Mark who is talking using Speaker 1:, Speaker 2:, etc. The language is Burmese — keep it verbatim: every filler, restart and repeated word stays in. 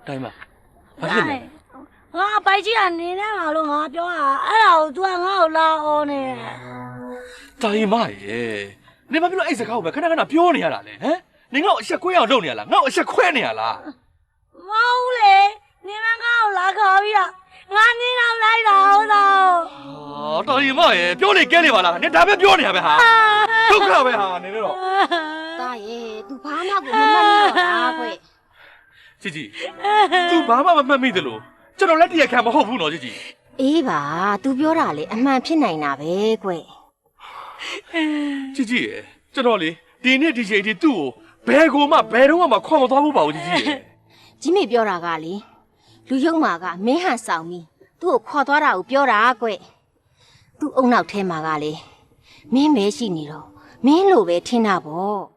Speaker 1: တိုင်းမှာဘာဖြစ်လဲ
Speaker 2: ငါပိုက်ကြီးကနေနေမှာလို့ငါပြောတာအဲ့ဒါကို तू ကငါ့ကိုလာအော်နေ
Speaker 1: တိုင်းမရဲ့နေမပြောလို့အဲ့စကားကိုပဲခဏခဏပြောနေရတာလေဟမ်နေငါ့ကိုအဆက်ခွဲအောင်လုပ်နေရလားငါ့ကိုအဆက်ခွဲနေရလား
Speaker 2: မဟုတ်လေနေမငါ့ကိုလာခေါ်ပြီးတော့ငါနင်းတော့လိုက်တာဟုတ်တော့
Speaker 1: ဟာတိုင်းမရဲ့ပြောနေကဲနေပါလားနေဒါပဲပြောနေရပဲဟာဒုက္ခပဲဟာနေတော့
Speaker 3: တာရဲ့ तू ဘာမှကိုမမှတ်မိတော့တာကွ
Speaker 1: ជីជី तू ဘာမှမမှတ်မိသလိုကျွန်တော်လက်တရက်ခံမဟုတ်ဘူးနော်ជីជី
Speaker 3: အေးပါ तू ပြောတာလေအမှန်ဖြစ်နိုင်တာပဲကွ
Speaker 1: ជីជីရဲ့ကျွန်တော်လေဒီနေ့ဒီချိန်ထိသူ့ကိုဘယ်ကိုမှဘယ်တော့မှခေါ်မသွားဘူးပါဘူးជីជីရဲ့
Speaker 3: ကြီးမေပြောတာကလေလူယုံမာကမင်းဟန်ဆောင်ပြီးသူ့ကိုခေါ်သွားတာကိုပြောတာကွသူ့အုံနောက်ထဲမှာကလေမင်းပဲရှိနေတော့မင်းလိုပဲထင်တာပေါ့